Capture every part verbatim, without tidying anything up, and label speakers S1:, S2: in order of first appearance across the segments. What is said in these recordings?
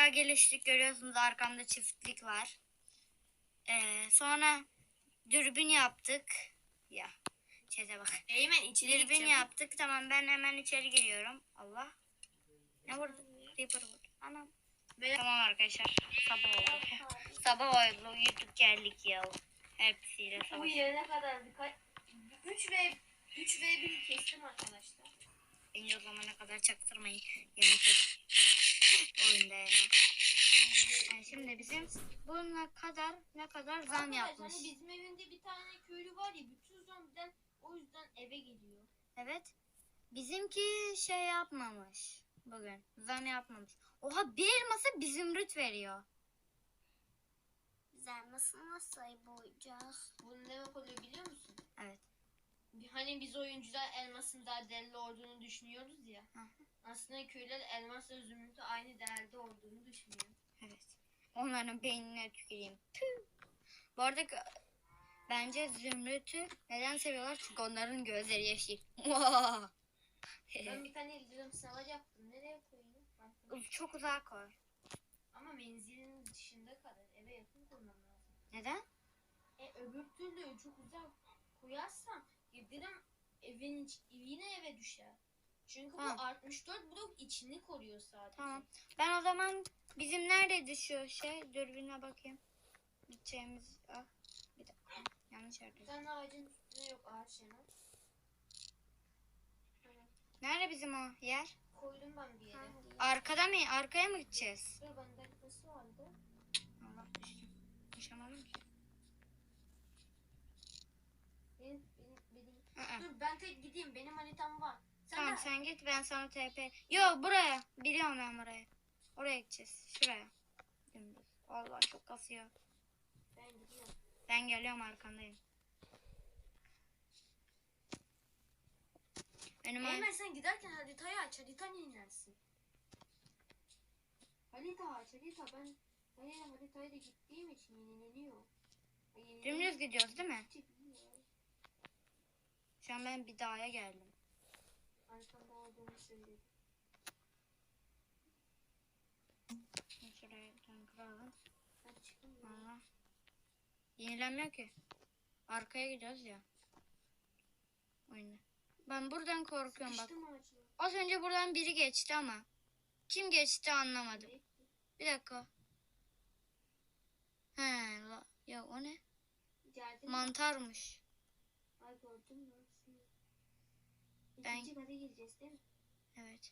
S1: bayağı geliştik, görüyorsunuz arkamda çiftlik var. Ee, sonra dürbün yaptık. Ya çete bak.
S2: Eymen içeri
S1: Dürbün
S2: gideceğim.
S1: yaptık. Tamam, ben hemen içeri giriyorum. Allah. Ne vurdu? Reaper vurdu. Anam.
S2: Böyle...
S1: Tamam arkadaşlar. Sabah oldu. Sabah oldu. Uyuduk geldik ya. Hepsiyle
S2: Bu
S1: savaş.
S2: yerine kadar birkaç... üç ve üç ve bir kestim arkadaşlar.
S1: Bence o zamana kadar çaktırmayın. Yemek yedim. Oyunda yani. Yani şimdi bizim buna kadar ne kadar zam
S2: Arkadaş,
S1: yapmış.
S2: hani bizim evinde bir tane köylü var ya, bütün zombiden o yüzden eve geliyor.
S1: Evet. Bizimki şey yapmamış. Bugün zam yapmamış. Oha, bir elması bir zümrüt veriyor.
S3: Biz elması nasıl bulacağız?
S2: Bu ne demek oluyor biliyor musun?
S1: Evet.
S2: Hani biz oyuncular elmasın daha değerli olduğunu düşünüyoruz ya.
S1: Hı.
S2: Aslında köyler elmasla zümrütü aynı değerde olduğunu düşünüyor.
S1: Evet. Onların beynine tüküreyim. Püh. Bu arada bence zümrütü neden seviyorlar? Çünkü onların gözleri yeşil.
S2: Ben bir tane yıldırım savar yaptım. Nereye koyayım? Baktım.
S1: Çok uzağa koy.
S2: Ama menzilin dışında kalır. Eve yakın koymam lazım.
S1: Neden?
S2: E öbür türlü çok uzak koyarsam yıldırım evin iç, yine eve düşer. Çünkü
S1: Tamam.
S2: bu altmış dört blok içini koruyor sadece.
S1: Tamam. Ben o zaman bizim neredeydi şu şey? Dürbüne bakayım. Gideceğimiz... Ah, bir dakika. Yanlış
S2: Bir
S1: yerde.
S2: tane ağacın üstüne yok ağaç yana. Evet.
S1: Nerede bizim o yer?
S2: Koydum ben bir yere.
S3: Hangi?
S1: Arkada mı? Arkaya mı gideceğiz?
S2: Dur, bende dakikası vardı.
S1: Allah düştüm. Düşemedim ki.
S2: Benim, benim, benim.
S1: Aa.
S2: Dur ben tek gideyim. Benim haritam var. Sen
S1: Tamam
S2: de...
S1: sen git, ben sana T P. Yo, buraya. Biliyorum ben burayı. Oraya gideceğiz. Şuraya. Dümdüz. Allah çok kasıyor.
S2: Ben gidiyorum.
S1: Ben geliyorum, arkandayım. Önüme...
S2: Eymen sen giderken haritayı aç. Harita inersin. Harita aç. Harita ben... Ben yine haritayla gittiğim için yenileniyor.
S1: Dümdüz gidiyoruz değil mi? Şu an ben bir dağa geldim.
S2: Arkamda olduğunu söyledim.
S1: Şuraya dön kıralım.
S2: Ben çıkayım.
S1: Allah. Yenilenmiyor ki. Arkaya gidiyoruz ya. Oyunda. Ben buradan korkuyorum bak.
S2: Sıkıştım ağacına.
S1: Az önce buradan biri geçti ama. Kim geçti anlamadım. Bir dakika. He, la, ya o ne?
S2: Geldin mi?
S1: Mantarmış.
S2: Ay gördün mü?
S1: Ben-
S2: İkinci kata gireceğiz değil mi?
S1: Evet.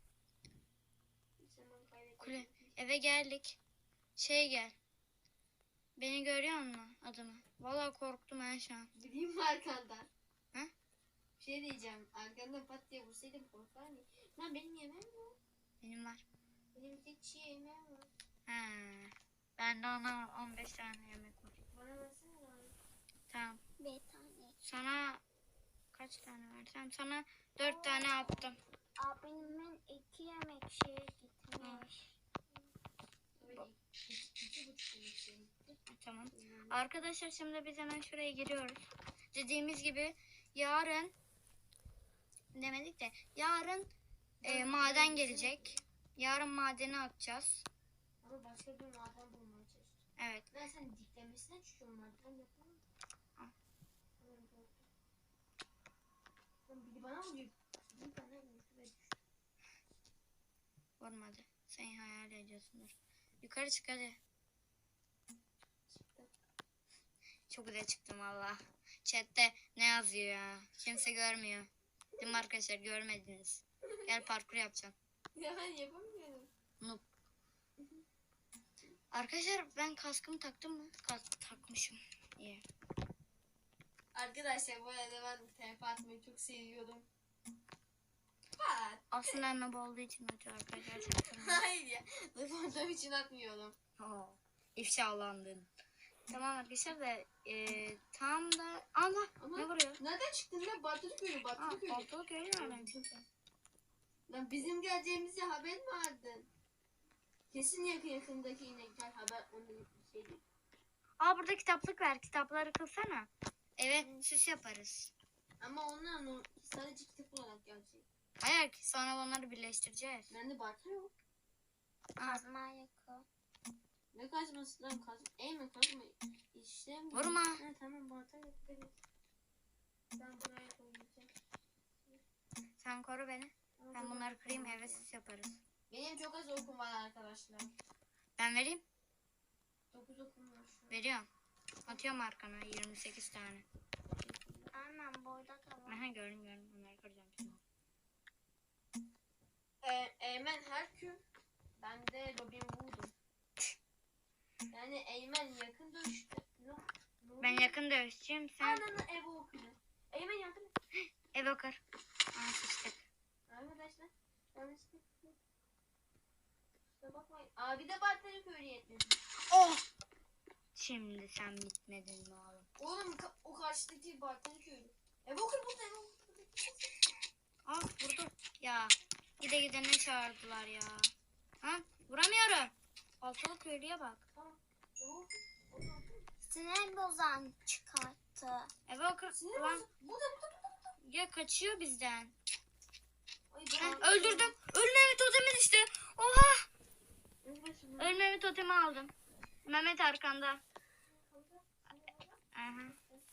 S2: Zaman kaybettik.
S1: Kule. Eve geldik. Şey gel. Beni görüyor musun adımı? Vallahi korktum ben şu an.
S2: Bileyim mi arkandan?
S1: He?
S2: Bir şey diyeceğim. Arkandan pat diye vursaydım korkar mı? Lan benim yemeğim yok.
S1: Benim var.
S2: Benim hiç yemeğim yok.
S1: He. Bende ona on beş tane yemek var.
S2: Bana versene lan.
S1: Tamam.
S3: Bir tane.
S1: Sana kaç tane versem? Sana dört tane attım.
S3: Abimin iki yemek şey gitmiş.
S2: Öyle iki, iki buçuk yemek şey gitti.
S1: Tamam. Arkadaşlar şimdi biz hemen şuraya giriyoruz. Dediğimiz gibi yarın demedik de yarın e, maden gelecek. Yarın madeni atacağız.
S2: Ama başka bir maden bulmaya çalıştım.
S1: Evet.
S2: Ben sen diklemesine çıkıyorum maden yapamam.
S1: Al.
S2: Tamam, gördüm. Lan biri bana vuruyor. Bir tane vurdu ve düştü.
S1: Vurmadı. Sen hayal ediyorsundur. Yukarı çık hadi.
S2: Çıktı.
S1: Çok güzel çıktım valla. Chatte ne yazıyor ya? Kimse görmüyor. Değil mi arkadaşlar, görmediniz. Gel parkur yapacağım.
S2: Ya ben yapamıyorum.
S1: Noob. Arkadaşlar ben kaskımı taktım mı? Kask takmışım. İyi.
S2: Arkadaşlar bu arada ben T P atmayı çok seviyorum. Pat.
S1: Aslında noob olduğu için atıyor arkadaşlar. Çaktırmayın.
S2: Hayır ya. Zıpladığım için atmıyorum.
S1: Oo, ifşalandın. Tamam arkadaşlar da e, tam da Allah
S2: Ama
S1: ne vuruyor?
S2: nereden çıktın lan? Batılı köyü,
S1: Aa,
S2: batılı köyü.
S1: ortalık öyle nereden çıktı?
S2: Lan bizim geleceğimize haber mi aldın? Kesin yakın yakındaki inekler haber onu şey değil.
S1: Aa, burada kitaplık var. Kitapları kılsana. Evet, süs yaparız.
S2: Ama onlar no- sadece kitap olarak gelecek.
S1: Hayır ki sonra onları birleştireceğiz.
S2: Bende balta yok.
S3: Kazma yakı.
S2: Ne kazması lan? Kaz... Eymen kazma. İşte mi?
S1: Vurma.
S2: Ha, tamam balta yapabiliriz. Ben buraya koyacağım.
S1: Sen koru beni.
S2: Ama
S1: Ben
S2: çok
S1: bunları
S2: az
S1: kırayım,
S2: okum
S1: eve
S2: var.
S1: sis yaparız.
S2: Benim çok az okum var arkadaşlar.
S1: Ben vereyim.
S2: dokuz okum var şu an.
S1: Veriyorum. Atıyorum arkana yirmi sekiz tane.
S3: Aynen burada da var.
S1: Aha gördüm gördüm. Bunları kıracağım şimdi.
S2: Ee, Eymen Herkül. Ben de Robin Hood'um. Yani Eymen yakın dövüştü. No, no.
S1: Ben yakın dövüşçüyüm. Sen
S2: Ananı eve okudu. Eymen yardım et.
S1: eve kır. Aa sıçtık.
S2: Arkadaşlar. Yanlışlıkla. Kusura bakmayın. Abi de Bartları köylü yetmedi.
S1: Oh! Şimdi sen bitmedin mi oğlum?
S2: Oğlum ka- o karşıdaki Bartları köylü. Eve okur burada eve okur burada.
S1: Ah vurdu. Ya gide gide ne çağırdılar ya. Ha vuramıyorum. Altılı köylüye bak.
S2: Tamam. Eve okur. Orada okur.
S3: Sinir bozan çıkarttı.
S1: Eve okur.
S2: Sinir
S1: Ulan
S2: bozuk. Burada burada burada.
S1: ya kaçıyor bizden.
S2: Ay
S1: Ha,
S2: ben
S1: öldürdüm. Ölmemi totemi düştü. Oha.
S2: Ölmesin.
S1: Ölmemi totemi aldım. Mehmet arkanda. Aha.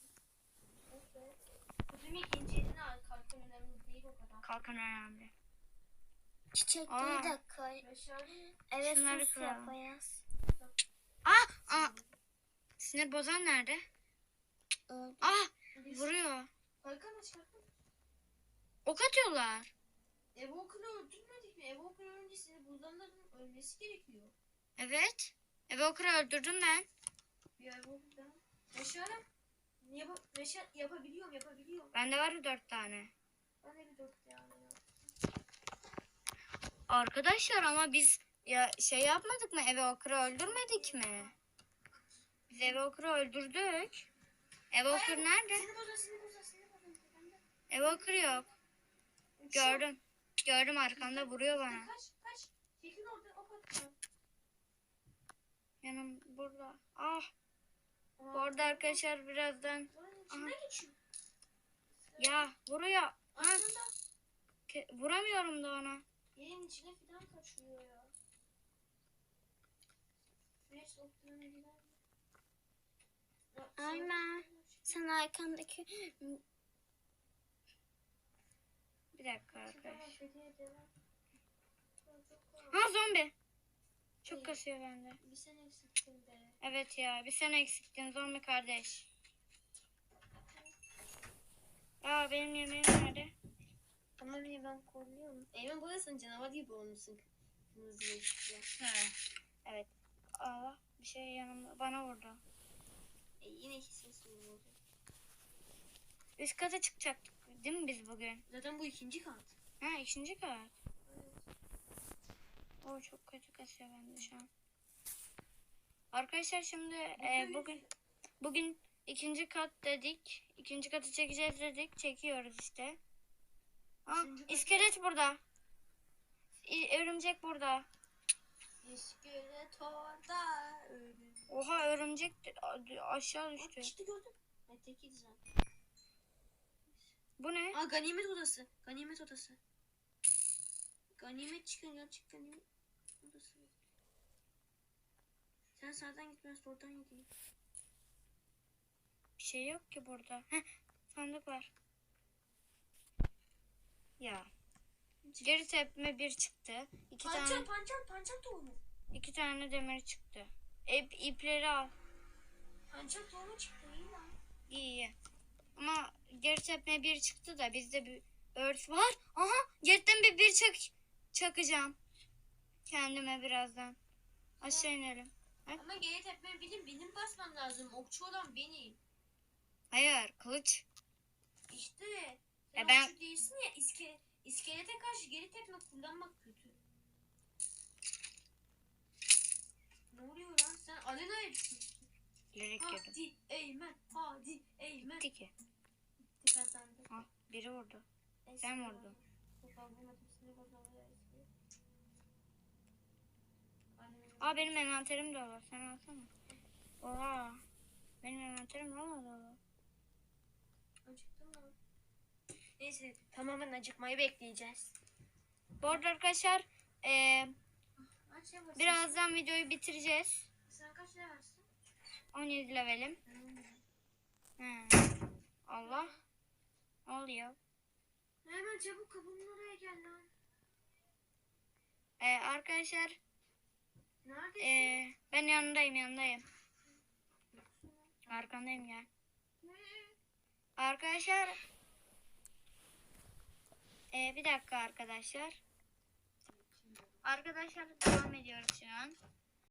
S2: Kutumu ikinci eline al. Kalkın önemli değil o kadar.
S1: Kalkan önemli.
S3: Çiçekleri
S1: Aa.
S3: de koy.
S2: Başarılı.
S3: Evet
S1: Şunları
S3: sus
S1: koyalım.
S3: yaparız.
S1: Ah! Ah! Sinir bozan nerede?
S3: Öldü.
S1: Ah!
S2: Biz-
S1: Vuruyor.
S2: Kalkan aç kalkan.
S1: Ok atıyorlar.
S2: Evoker'ı öldürmedik mi? Evoker önce seni buzdanların ölmesi gerekiyor.
S1: Evet. Evoker'ı öldürdüm ben.
S2: Bir Evoker'dan. Başarım. Yap Başar yapabiliyorum yapabiliyorum.
S1: Bende var dört tane.
S2: Ben de bir dört tane yaptım.
S1: Arkadaşlar ama biz ya şey yapmadık mı? Evoker'ı öldürmedik mi? Biz Evoker'ı öldürdük. Evoker nerede?
S2: Seni bozar seni bozar seni bozar. Ben de-
S1: Evoker yok. Gördüm. Gördüm arkamda vuruyor bana.
S2: Kaç kaç. Çekil orada o kadar.
S1: Yanım burada. Ah. Bu arada arkadaşlar birazdan.
S2: Buranın içinden geçiyor.
S1: Ya vuruyor. Ha,
S2: Aslında
S1: ke- vuramıyorum da ona.
S2: yerin içine falan kaçıyor ya. Fresh soktuğuna gider mi? Ya,
S3: Aynen. Sen arkandaki
S1: Bir dakika
S2: Tamam,
S1: arkadaş.
S2: Fethiye devam. Çok kolay.
S1: Ha zombi. Çok kasıyor bende.
S2: Bir sen eksiktin be.
S1: Evet ya bir sen eksiktin zombi kardeş. Aa benim yemeğim nerede?
S2: Ama niye ben korluyorum? Eymen buradasın canavar gibi olmuşsun. Kırmızı yeşille.
S1: Ha. Evet. Allah bir şey yanımda bana vurdu.
S2: E, yine kesin oldu.
S1: Üst kata çıkacaktık değil mi biz bugün?
S2: Zaten bu ikinci kat.
S1: Ha ikinci kat. O çok kötü kasıyor bende şu an. Arkadaşlar şimdi e, bugün bugün ikinci kat dedik. İkinci katı çekeceğiz dedik. Çekiyoruz işte. Aa,
S2: Üçüncü kat-
S1: iskelet burada. İ- Örümcek burada.
S2: İskelet orada ölüm.
S1: Oha örümcek de- a- aşağı
S2: Bak
S1: düştü.
S2: işte gördüm. Ben tekiydi zaten.
S1: Bu ne?
S2: Aa ganimet odası. Ganimet odası. Ganimet çıkın gerçek ganimet odası. Sen sağdan gitmez oradan gideyim.
S1: Bir şey yok ki burada. Heh, sandık var. Ya. Geri tepme bir çıktı. İki
S2: Pançal
S1: tane
S2: pançal pançal tohumu.
S1: iki tane demir çıktı. İp, ipleri al.
S2: Pançal tohumu çıktı iyi lan.
S1: İyi iyi. Ama geri tepme bir çıktı da bizde bir örs var. Aha geriden bir bir çak çakacağım. Kendime birazdan. Aşağı inelim.
S2: Ama geri tepme benim benim basmam lazım. Okçu olan benim.
S1: Hayır kılıç.
S2: İşte.
S1: E
S2: Sen
S1: ben-
S2: okçu değilsin ya iske, iskelete karşı geri tepme kullanmak kötü. Ne oluyor lan sen Alena'ya düşmüşsün.
S1: Bilerek girdim.
S2: Hadi Eymen hadi Eymen.
S1: Gitti ki.
S2: Gitti kazandı.
S1: Ah biri vurdu.
S2: Eski
S1: Sen
S2: var.
S1: vurdun.
S2: Yok, ben vurmadım. Seni vurmadım. Eski. Annemin-
S1: Aa benim envanterim dolu. Sen alsana. Oha. Benim envanterim valla dolu.
S2: Acıktım lan. Neyse tamamen acıkmayı bekleyeceğiz.
S1: Bu arada arkadaşlar eee
S2: Aç ya
S1: Birazdan videoyu bitireceğiz.
S2: Sen kaç levelsin?
S1: on yedi levelim. He. Allah. Ne oluyor?
S2: Hemen çabuk kapının oraya gel lan.
S1: Ee, arkadaşlar
S2: Neredesin?
S1: ee, ben yanındayım yanındayım. Arkandayım ya. Arkadaşlar ee, bir dakika arkadaşlar. Arkadaşlar devam ediyoruz şu an.